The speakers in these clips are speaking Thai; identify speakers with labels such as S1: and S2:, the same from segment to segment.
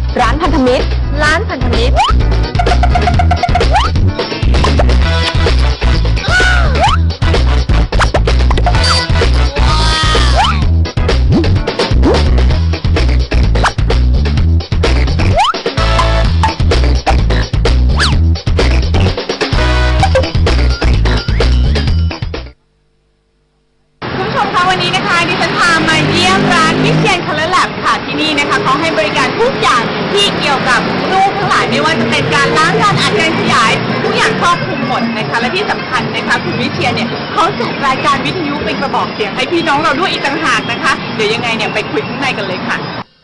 S1: ร้านพันธมิตรร้านพันธมิตร
S2: วันนี้นะคะดิฉันพามาเยี่ยมร้านวิเชียรคัลเลอร์แลบค่ะที่นี่นะคะเขาให้บริการทุกอย่างที่เกี่ยวกับรูปทั้งหลายไม่ว่าจะเป็นการล้างการอัดการขยายทุกอย่างครอบคลุมหมดนะคะและที่สำคัญนะคะคุณวิเชียรเนี่ยเขาจัดรายการวิทยุเป็นกระบอกเสียงให้พี่น้องเราด้วยอีกต่างหากนะคะเดี๋ยวยังไงเนี่ยไปคุยข้างในกันเลยค่ะ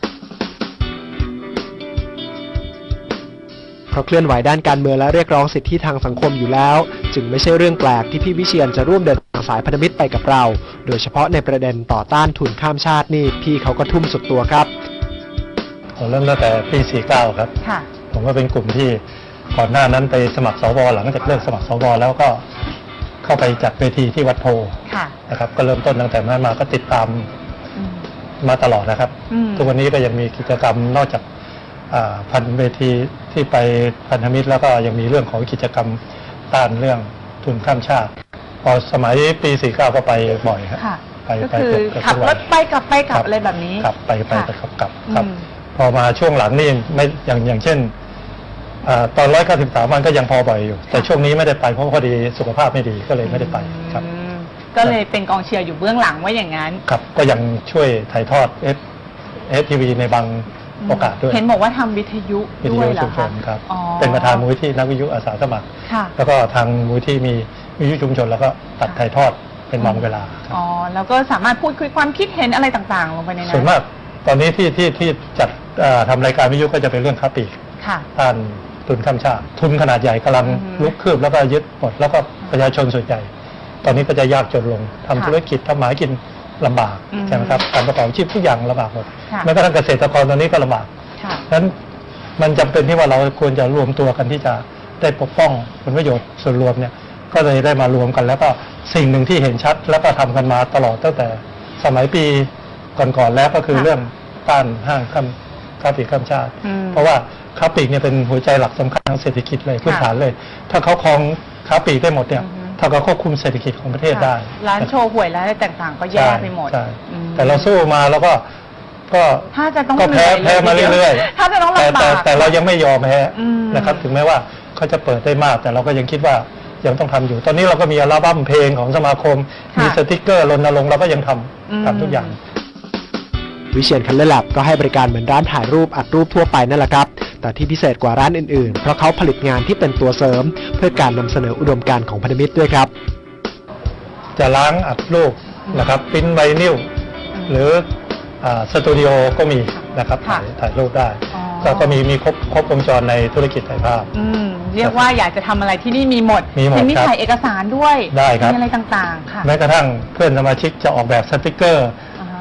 S3: เพราะเคลื่อนไหวด้านการเมืองและเรียกร้องสิทธิทางสังคมอยู่แล้วจึงไม่ใช่เรื่องแปลกที่พี่วิเชียรจะร่วมเดินทางสายพันธมิตรไปกับเราโดยเฉพาะในประเด็นต่อต้านทุนข้ามชาตินี่พี่เขาก็ทุ่มสุดตัวครับ
S4: ผมเริ่มตั้งแต่ปี49ครับผมก็เป็นกลุ่มที่ก่อนหน้านั้นไปสมัครสวหลังจากเลิกสมัครสวแล้วก็เข้าไปจัดเวทีที่วัดโพนะครับก็เริ่มต้นตั้งแต่นั้นมาก็ติดตามมาตลอดนะครับทุกวันนี้ก็ยังมีกิจกรรมนอกจากพันเวทีที่ไปพันธมิตรแล้วก็ยังมีเรื่องของกิจกรรมต้านเรื่องทุนข้ามชาติพอสมัยปี49ก็ไปบ่อยครับ
S2: ก็คือขับรถไปกลับอะไรแบบนี้
S4: ครับไปกลับครับพอมาช่วงหลังนี่ไม่อย่างเช่นตอน193วันก็ยังพอบ่อยอยู่แต่ช่วงนี้ไม่ได้ไปเพราะพอดีสุขภาพไม่ดีก็เลยไม่ได้ไปครับ
S2: ก็เลยเป็นกองเชียร์อยู่เบื้องหลังว่าอย่างนั้น
S4: ครับก็ยังช่วยถ่ายทอดทีวีในบางโอกาสด้วย
S2: เห็นบอกว่าทำวิทยุด้วยเหรอคะ
S4: ครับเป็นประธานมูลที่นักวิทยุอาสาสมัครแล้วก็ทางมูลที่มีวิทยุชุมชนแล้วก็ตัดถ่ายทอดเป็นบางเวลา
S2: แล้วก็สามารถพูดคุยความคิดเห็นอะไรต่างๆลงไปในนั้น
S4: ส่วนมากตอนนี้ที่จัดทำรายการวิทยุก็จะเป็นเรื่องค้าปลีกต้านทุนข้ามชาติทุนขนาดใหญ่กำลังลุกคืบแล้วก็ยึดหมดแล้วก็ประชาชนส่วนใหญ่ตอนนี้ก็จะยากจนลงทำธุรกิจทำหมากินลำบากใช่ไหมครับการประกอบชีพทุกอย่างลำบากหมดแม้กระทั่งเกษตรกรตอนนี้ก็ลำบากฉะนั้นมันจำเป็นที่ว่าเราควรจะรวมตัวกันที่จะได้ปกป้องผลประโยชน์ส่วนรวมเนี่ยก็เลยได้มารวมกันแล้วก็สิ่งหนึ่งที่เห็นชัดแล้วก็ทำกันมาตลอดตั้งแต่สมัยปีก่อนๆแล้วก็คือเรื่องต้านห้างค้าปลีกข้ามชาติเพราะว่าค้าปลีกเนี่ยเป็นหัวใจหลักสำคัญทางเศรษฐกิจเลยพื้นฐานเลยถ้าเขาครองค้าปลีกได้หมดเนี่ยถ้าเขาควบคุมเศรษฐกิจของประเทศได้
S2: ร้านโชว์หวยร้านอะไรต่างๆก็แย่ไปหมด
S4: แต่เราสู้มาแล้วก็
S2: ถ้าจะต้อง
S4: แพ้มาเรื่อย
S2: ๆถ้าจะต้องลำบาก
S4: แต่เรายังไม่ยอมแพ้นะครับถึงแม้ว่าเขาจะเปิดได้มากแต่เราก็ยังคิดว่ายังต้องทำอยู่ตอนนี้เราก็มีอัลบั้มเพลงของสมาคมมีสติ๊กเกอร์รณรงค์เราก็ยังทำทุกอย่าง
S3: วิเชียรคัลเลอร์แลบก็ให้บริการเหมือนร้านถ่ายรูปอัดรูปทั่วไปนั่นแหละครับแต่ที่พิเศษกว่าร้านอื่นๆเพราะเขาผลิตงานที่เป็นตัวเสริมเพื่อการนำเสนออุดมการณ์ของพันธมิตรด้วยครับ
S4: จะล้างอัดรูปนะครับปริ้นไวนิลหรือสตูดิโอก็มีนะครับถ่ายรูปได้ก็มีครบวงจรในธุรกิจถ่ายภาพ
S2: เรียกว่าอยากจะทำอะไรที่นี่มีหมดมีถ่ายเอกสารด้วย
S4: ได้ครับ
S2: มีอะไรต่างๆค่ะ
S4: แม้กระทั่งเพื่อนสมาชิกจะออกแบบสติกเกอร์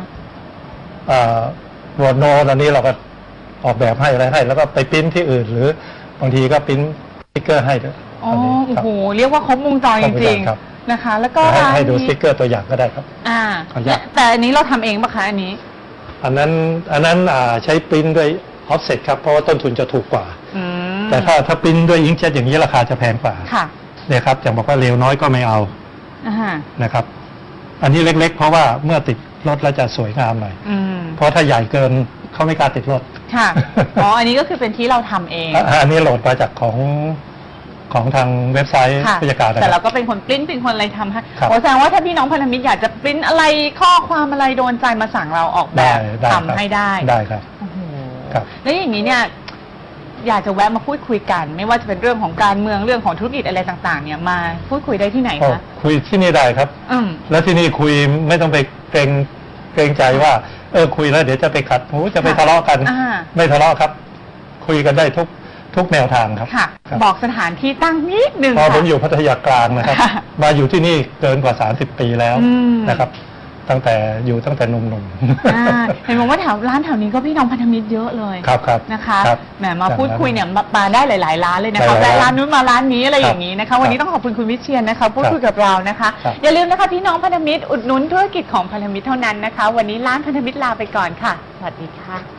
S4: วอร์โนตอนนี้เราก็ออกแบบให้อะไรให้แล้วก็ไปปริ้นที่อื่นหรือบางทีก็ปริ้นสติกเกอร์ให้ด้วย
S2: โอ้โหเรียกว่าครบวงจรจริงๆนะคะแล้วก็
S4: ให้ดูสติกเกอร์ตัวอย่างก็ได้ครับ
S2: แต่อันนี้เราทำเองปะคะอัน
S4: นั้นใช้ปริ้นด้วยออฟเซ็ตครับเพราะว่าต้นทุนจะถูกกว่าแต่ถ้าปริ้นด้วยอิงค์เจ็ตอย่างนี้ราคาจะแพงกว่าเนี่ยครับอย่างบอกว่าเร็วน้อยก็ไม่เอานะครับอันนี้เล็กๆเพราะว่าเมื่อติดรถแล้วจะสวยงามหน่อยเพราะถ้าใหญ่เกินเขาไม่กล้าติดรถ
S2: ค่ะอันนี้ก็คือเป็นที่เราทำเอง
S4: อันนี้โหลดมาจากของทางเว็บไซต์ผู้จัดการ
S2: แต่เราก็เป็นคนปริ้นเป็นคนอะไรทำให้แสดงว่าถ้าพี่น้องพันธมิตรอยากจะปริ้นอะไรข้อความอะไรโดนใจมาสั่งเราออกแบบทำให้
S4: ได้ครับ
S2: แล้วอย่างนี้เนี่ยอยากจะแวะมาพูดคุยกันไม่ว่าจะเป็นเรื่องของการเมืองเรื่องของธุรกิจอะไรต่างๆเนี่ยมาพูดคุยได้ที่ไหนคะ
S4: คุยที่นี่ได้ครับแล้วที่นี่คุยไม่ต้องไปเกรงใจว่าคุยแล้วเดี๋ยวจะไปขัดหูจะไปทะเลาะกันไม่ทะเลาะครับคุยกันได้ทุกแนวทางครับ
S2: บอกสถานที่ตั้งนิดนึง
S4: ผมอยู่พัทยากลางนะครับมาอยู่ที่นี่เกินกว่า30 ปีแล้วนะครับตั้งแต่หนุ่ม
S2: ๆเห็นบอกว่าร้านแถวนี้ก็พี่น้องพันธมิตรเยอะเลย
S4: ครับ
S2: นะคะแหมมาพูดคุยเนี่ยมาได้หลายๆร้านเลยนะคะแต่ร้านนู้นมาร้านนี้อะไรอย่างนี้นะคะวันนี้ต้องขอบคุณคุณวิเชียรนะคะพูดคุยกับเรานะคะอย่าลืมนะคะพี่น้องพันธมิตรอุดหนุนธุรกิจของพันธมิตรเท่านั้นนะคะวันนี้ร้านพันธมิตรลาไปก่อนค่ะสวัสดีค่ะ